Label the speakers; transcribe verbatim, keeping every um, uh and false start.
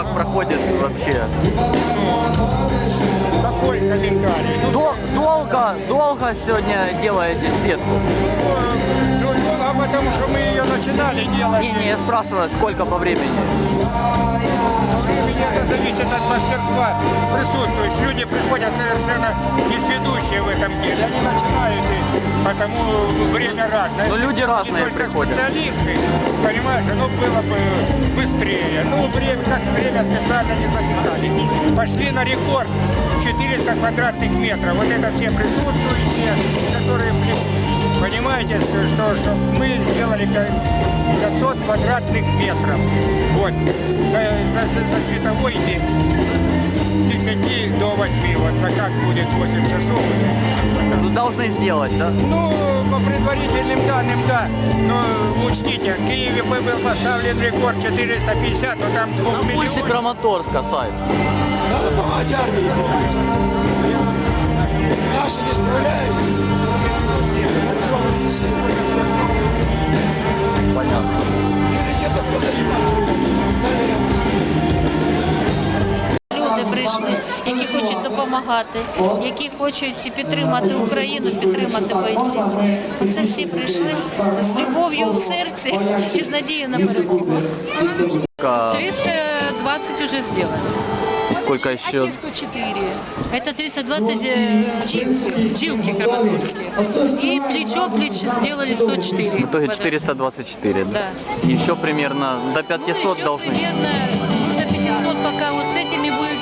Speaker 1: Как проходит вообще?
Speaker 2: Какой комментарий?
Speaker 1: Дол долго, долго сегодня делаете сетку?
Speaker 2: Ну, долго, потому что мы ее начинали делать.
Speaker 1: Не, не, я спрашиваю, сколько по времени?
Speaker 2: Времени это зависит от мастерства присутствующих. Люди приходят совершенно несведущие в этом деле. Они начинают, и потому время разное.
Speaker 1: Но люди разные
Speaker 2: не только
Speaker 1: приходят.
Speaker 2: Специалисты, понимаешь, ну было бы быстрее. Ну, время, как время специально не засекали. Пошли на рекорд четыреста квадратных метров. Вот это все присутствующие, которые, понимаете, что, что мы сделали пятьсот квадратных метров. Вот. За, за, за световой день. С десяти до восьми. Вот за как будет восемь часов.
Speaker 1: Ну, должны сделать, да?
Speaker 2: Ну, по предварительным данным, да. Но учтите, в Киеве был поставлен рекорд четыреста пятьдесят, но там двух
Speaker 1: На пульсе
Speaker 2: миллионов.
Speaker 1: Краматорска сайт.
Speaker 3: Надо помогать армии. Наши не справляются.
Speaker 1: Понятно.
Speaker 3: Приоритетов
Speaker 4: Люди прийшли, які хочуть допомагати, які хочуть підтримати Україну, підтримати бойців. Це всі прийшли з любов'ю в серці і з надією на перемогу. триста двадцать уже сделали.
Speaker 1: И сколько еще?
Speaker 4: А те, кто четыре. Это триста двадцать э, жилки, жилки краматорские. И плечо плечо сделали сто четыре.
Speaker 1: В итоге четыреста двадцать четыре, да?
Speaker 4: Да.
Speaker 1: Еще примерно до пятисот
Speaker 4: Ну, еще
Speaker 1: должны.
Speaker 4: примерно ну, до пятисот, пока вот с этими будет